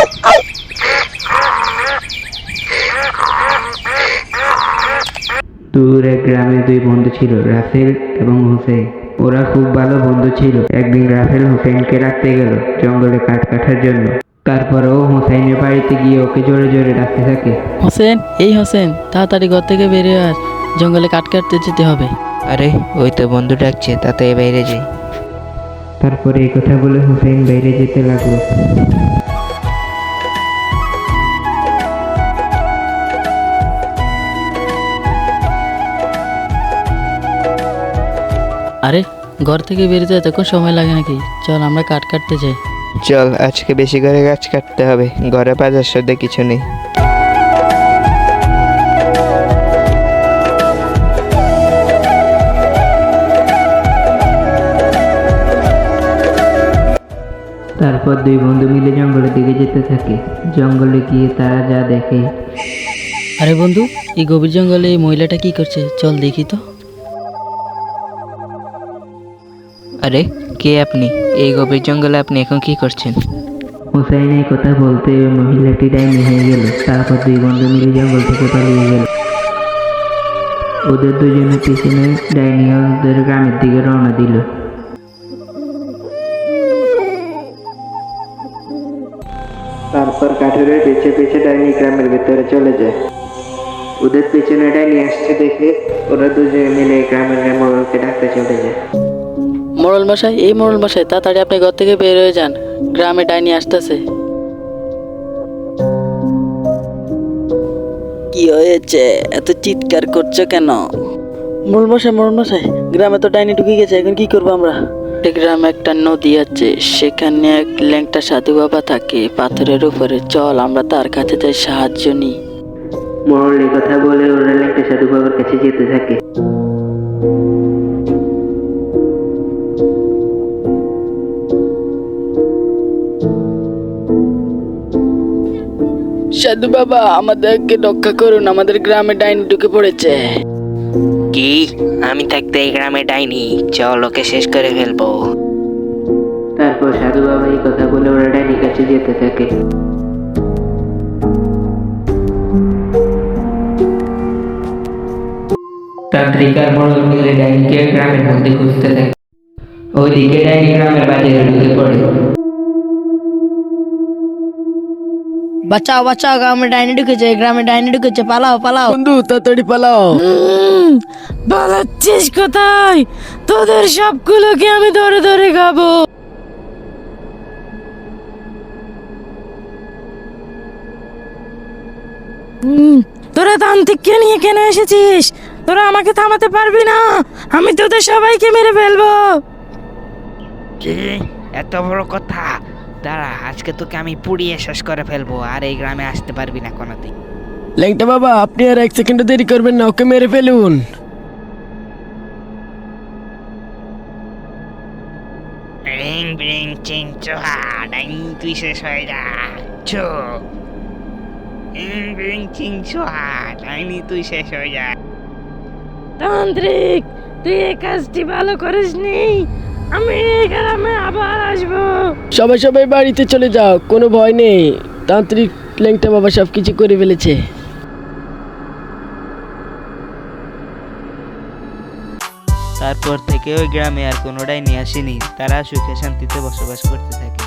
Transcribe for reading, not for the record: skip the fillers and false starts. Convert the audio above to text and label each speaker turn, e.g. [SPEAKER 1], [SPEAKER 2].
[SPEAKER 1] দূর এক গ্রামে দুই বন্ধু ছিল, রাসেল এবং হুসেন। ওরা খুব ভালো বন্ধু ছিল। একদিন রাসেল হুসেনকে রাখতে গেল জঙ্গলে কাঠ কাটার জন্য। তারপর ও হুসেনের বাড়িতে গিয়ে ওকে জোরে জোরে ডাকতে থাকে,
[SPEAKER 2] হোসেন, এই হোসেন, তাড়াতাড়ি ঘর থেকে বেরিয়ে আস, জঙ্গলে কাঠ কাটতে যেতে হবে।
[SPEAKER 3] আরে ওই তো বন্ধু ডাকছে, তাতে বাইরে যাই।
[SPEAKER 1] তারপরে এই কথা বলে হুসেন বাইরে যেতে লাগলো।
[SPEAKER 2] আরে ঘর থেকে বেরোতে এতক্ষণ সময় লাগে নাকি? চল আমরা কাঠ কাটতে যাই।
[SPEAKER 3] চল, আজকে বেশি করে গাছ কাটতে হবে, ঘরে বাজার সদ্যে কিছু নেই।
[SPEAKER 1] তারপর দুই বন্ধু মিলে জঙ্গলের দিকে যেতে থাকে। জঙ্গলে গিয়ে তারা যা দেখে,
[SPEAKER 2] আরে বন্ধু, এই গভীর জঙ্গলে এই মহিলাটা কি করছে? চল দেখি তো।
[SPEAKER 3] আরে কে আপনি? এই গভীর জঙ্গলে আপনি এখন কি করছেন?
[SPEAKER 1] হুসাইন এই কথা বলতে ওই মহিলাটি ডাইনি হয়ে গেল। তারপর দুই বন্ধু মিলে জঙ্গল থেকে পালিয়ে গেল। ওদের দুজনের পিছনে ডাইনি ওদের গ্রামের দিকে রওনা দিল। তারপর কাঠুরের পেছে পেছে ডাইনি গ্রামের ভেতরে চলে যায়। ওদের পেছনে ডাইনি আসছে দেখে ওরা দুজনে মিলে গ্রামের মোড়লকে ডাকতে চলে যায়।
[SPEAKER 2] মোড়ল মশাই, এই মোড়ল মশাই, তাড়াতাড়ি আপনি ঘর থেকে বের হয়ে যান, গ্রামে ডাইনি আসতেছে। কি হয়েছে? এত চিৎকার করছো কেন? মোড়ল মশাই, গ্রামে তো ডাইনি ঢুকে গেছে, এখন কি করবো আমরা? গ্রামে একটা নদী আছে, সেখানে এক ল্যাংটা সাধু বাবা থাকে পাথরের উপরে। চল আমরা তার কাছে যাই, সাহায্য নিই।
[SPEAKER 1] মোড়ল এই কথা বলে ওরা ল্যাংটা সাধু বাবার কাছে যেতে থাকে।
[SPEAKER 2] সাধু বাবা, আমাদেরকে রক্ষা করুন, আমাদের গ্রামে ডাইনি ঢুকে পড়েছে।
[SPEAKER 3] কি? আমি থাকতে এই গ্রামে ডাইনি? চল ওকে শেষ করে ফেলবো।
[SPEAKER 1] তারপর সাধু বাবা এই কথা বলে ওরা ডাইনির কাছে যেতে থাকে। তান্ত্রিক আর মোড়ল মিলে ডাইনিকে গ্রামের মধ্যে খুঁজতে থাকে। ওইদিকে ডাইনি গ্রামের বাজারে ঢুকে পড়ে।
[SPEAKER 4] বাঁচাও বাঁচাও, গ্রামে ডাইনি ঢুকেছে, পালাও পালাও।
[SPEAKER 2] বন্ধু তাড়াতাড়ি পালাও।
[SPEAKER 4] পালাচ্ছিস কোথায়? তোদের সবগুলোকে আমি ধরে ধরে খাবো। তোরা তান্ত্রিককে নিয়ে কেন এসেছিস? তোরা আমাকে থামাতে পারবি না, আমি তোদের সবাইকে মেরে ফেলবো।
[SPEAKER 3] কি এত বড় কথা? দাঁড়া, আজকে তোকে আমি পুড়িয়ে শেষ করে ফেলবো, আর এই গ্রামে আসতে পারবি না কোনোদিন।
[SPEAKER 5] ল্যাংটা বাবা, আপনি আর এক সেকেন্ড দেরি করবেন না, ওকে মেরে ফেলুন।
[SPEAKER 3] রিং বিং চিং চোহা, ডাইনি তুই শেষ হয়ে যা। চো রিং বিং চিং চোহা, ডাইনি তুই শেষ হয়ে যা।
[SPEAKER 4] তান্ত্রিক, তুই এই কাজটি ভালো করিসনি, আমি এই গ্রামে আবার আসবো।
[SPEAKER 5] সবাই বাড়িতে চলে যাও, কোনো ভয় নেই, তান্ত্রিক ল্যাংটা বাবা সব কিছু করে ফেলেছে।
[SPEAKER 3] তারপর থেকে ওই গ্রামে আর কোনো ডাইনি আসেনি। তারা সুখে শান্তিতে বসবাস করতে থাকে।